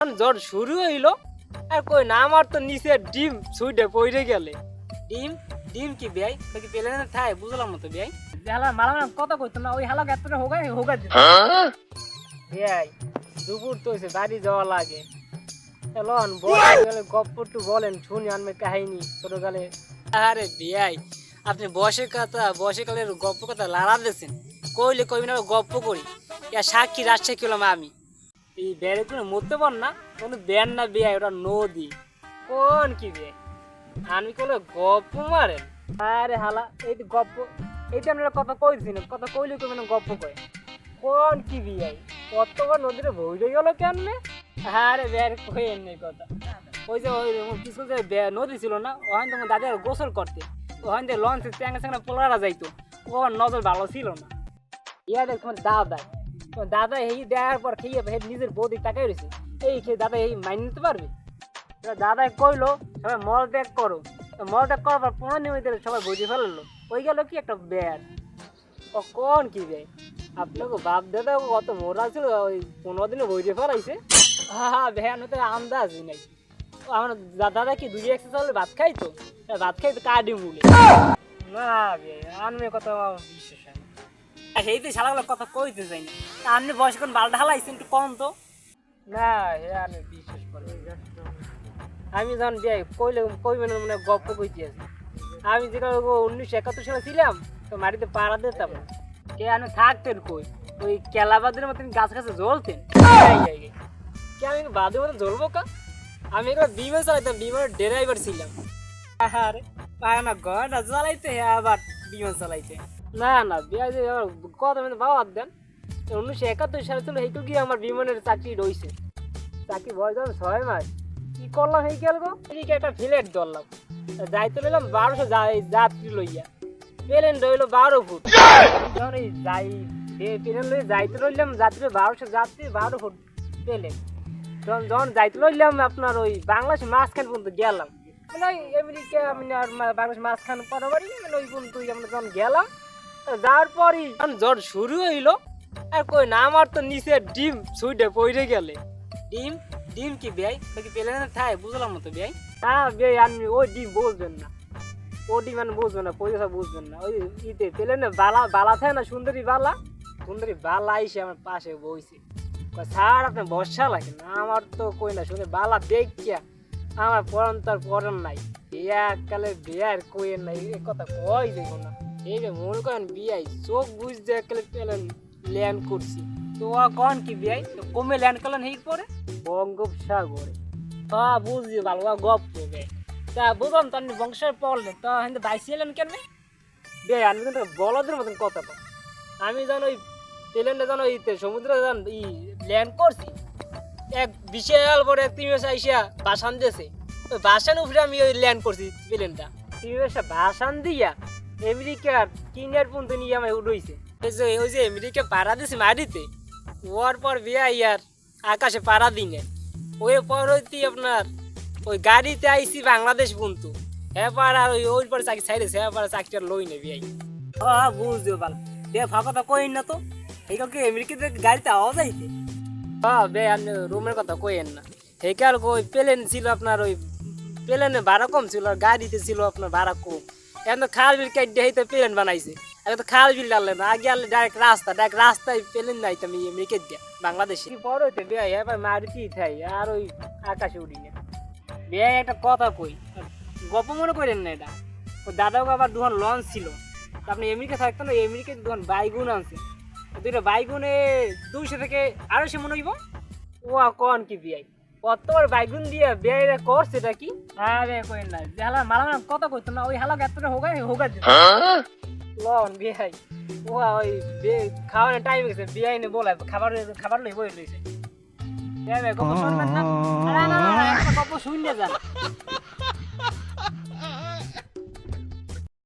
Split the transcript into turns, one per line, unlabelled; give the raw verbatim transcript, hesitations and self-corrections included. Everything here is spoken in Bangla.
জ্বর শুরু হইলো আর কই না আমার তো নিচে ডিম ছুটে পড়ে গেলে।
ডিম ডিম কি বেয়াই কি পেলে না থাই বুঝলাম না তো বেয়াই।
হালা মালা মালা কথা কইতো না ওই হালা গাতরে হোগাই হোগা দিত বেয়াই দুপুর তো হইছে বাড়ি যাওয়া লাগে। চলন বলেন গপ্প একটু বলেন শুনি আমি কাহিনী ছোটকালে।
আরে বেয়াই আপনি বয়সের কথা বয়সের কালের গপ্প কথা লাড়া দিয়েছেন কইলে কইবি না গপ্প করি ইয়া সাক্ষী রাজশাহী হলাম আমি।
এই বেড়ে কোনো মরতে পার না কোনো বেন না বেয়াই ওটা নদী কোন কি বে আমি কলে গপ্প মারেন। আরে হালা এই তো গপ্প এইটা আপনারা কথা কইছি না কথা কইলে কই মানে গপ্প কয় কোন কি বিয়াই কতবার নদীতে ভইরে গেল কেমনে। আরে বের কইেন নাই কথা ওই যে ওই কিছু যে নদী ছিল না ওখান থেকে দাদা গোসল করতে ওখান থেকে লঞ্চে চ্যাংরা চ্যাংরা পোলারা যাইতো ও আমার নজর ভালো ছিল না। ইয়া দেখ তোমার দাদা তোমার দাদা এই দেওয়ার পর খেয়ে নিজের বৌদি তাকাই রয়েছে এই খেয়ে দাদা এই মাইনে নিতে পারবে। দাদা কইলো সবাই মল ত্যাগ করো মল ত্যাগ করার পর পনেরো নিমিতে সবাই বুঝে ফেললো ওই গেল কি একটা ব্যাড ও কোন কি বে আপনাকে বাপ দাদা কত মোরা ছিল ওই পনেরো দিনে বইতে ফেলাইছে। হ্যাঁ ভ্যান হতে আন্দাজই নাই আমার দাদা কি দুই একশো চালে ভাত খাইতো ভাত খাইতো কাডি মুলে না বে আমি কথা বিশ্বাস
সেই তো শালাগুলো কথা কইতে যাই না আপনি বয়স কোন বালটা হালাইছেন একটু কম তো।
না হে আমি বিশ্বাস করি আমি যখন বিয়ে কইলে কইবে না মানে গপ্প কইতে আছি আমি যেটা উনিশশো একাত্তর সালে ছিলাম তো মাটিতে পাড়া দিতাম কে আমি থাকতেন কই ওই কেলাবাদের মতন গাছ গাছে জ্বলতেন কে আমি বাদের মতন জ্বলবো কা আমি এগুলো বিমান চালাইতাম বিমানের ড্রাইভার ছিলাম।
আরে পায় না গড়া চালাইতে আবার বিমান চালাইতে
না না বিয়ে কত মানে বাবা দেন উনিশশো একাত্তর সালে ছিল এইটু গিয়ে আমার বিমানের চাকরি রয়েছে চাকরি বয়স যখন ছয় মাস কি করলাম এই গেল গো এদিকে একটা ফ্লেট ধরলাম যাইতে নিলাম বারোশো যাত্রী লইয়া প্লেন রইলো বারো ফুট যখন এই যাই প্লেন লইয়া যাইতে রইলাম যাত্রী বারোশো যাত্রী বারো ফুট প্লেন তখন যখন যাইতে রইলাম আপনার ওই বাংলাদেশ মাঝখান পর্যন্ত গেলাম মানে ওই আমেরিকা মানে আর বাংলাদেশ মাঝখান পরাবারই মানে ওই পর্যন্ত আমরা যখন গেলাম যাওয়ার পরই জ্বর শুরু হইলো আর কই না আমার তো নিচে ডিম ছুটে পড়ে গেলে।
ডিম ডিম কি বেয়াই কি পেলে না থাই বুঝলাম না তো বেয়াই।
হ্যাঁ বেয়াই আপনি ওই ডিম বুঝবেন না ও ডিম মানে বুঝবেন না পয়সা বুঝবেন না ওই ইতে পেলে না বালা বালা থাকে না সুন্দরী বালা সুন্দরী বালা এসে আমার পাশে বইছে স্যার আপনার বর্ষা লাগে না আমার তো কই না শুনে বালা দেখিয়া আমার পরন তার পরন নাই এককালে বিয়ার কইেন নাই এ কথা কই দেখো না এই যে মনে করেন বিয়াই চোখ বুঝতে এককালে পেলেন ল্যান্ড করছি
তো কোন কি বিয়াই তো কমে ল্যান্ড করলেন হেই পরে
বঙ্গোপসাগরে। হ্যাঁ বুঝছি ভালো গপ করবে তা বুঝলাম তো আপনি বংশের পড়লেন তো কিন্তু বাইসি এলেন কেন বে আমি কিন্তু বলদের মতন কথা পাই আমি যেন ওই প্লেনটা যেন ওই সমুদ্রে যেন ই ল্যান্ড করছি এক বিশাল বড় এক তিমি আইসা বাসান দিয়েছে ওই বাসান উপরে আমি ওই ল্যান্ড করছি প্লেনটা তিমি বাসান দিয়া আমেরিকার কিনার পর্যন্ত নিয়ে আমায় উড়ইছে ওই যে ওই যে আমেরিকা পাড়া দিয়েছে মাটিতে ওর পর বিয়া ইয়ার আকাশে পাড়া দিনে ওই পর হইতে আপনার ওই গাড়িতে আইসি বাংলাদেশ পর্যন্ত হ্যাঁ পার আর ওই ওই পরে চাকরি ছাইড়েছে হ্যাঁ পার চাকরিটা লই নেবি আই
হ্যাঁ বুঝতে পারলাম বে ফাঁকা তো কইন না তো এই কালকে আমেরিকাতে গাড়িতে আওয়াজ আইছে।
হ্যাঁ বে আপনি রুমের কথা কইেন না এই কাল ওই প্লেন ছিল আপনার ওই প্লেনে ভাড়া কম ছিল আর গাড়িতে ছিল আপনার ভাড়া কম এখন তো খাল বিল কাটতে হইতে প্লেন বানাইছে এখন তো খাল বিল ডাললে না আগে আনলে ডাইরেক্ট রাস্তা ডাইরেক্ট রাস্তায় প্লেন নাই তো আমি আমেরিকা দিয়া বাংলাদেশে বড় হইতে বিয়ে এবার মারুতি থাই আর ওই আকাশে উড়ি না বিয়ে একটা কথা কই গপ মনে করেন না এটা ও দাদাও আবার দুখান লঞ্চ ছিল আপনি আমেরিকা থাকতেন না আমেরিকায় দুখান বাইগুন আনছে দুইটা বাইগুনে দুইশো থেকে আড়াইশো মনে হইব ও কন কি বিয়াই কতবার বাইগুন দিয়ে বিয়াইরা করছে এটা কি আরে কই না যে হালা মালা কথা কইতো না ওই হালা গাতরে হোগাই হোগা দিত লন বিয়াই ও ওই খাওয়ানোর টাইম গেছে বিয়াই নে বলে খাবার খাবার লই বই লইছে গপ শুনবেন না না না একটা গপ শুনলে যান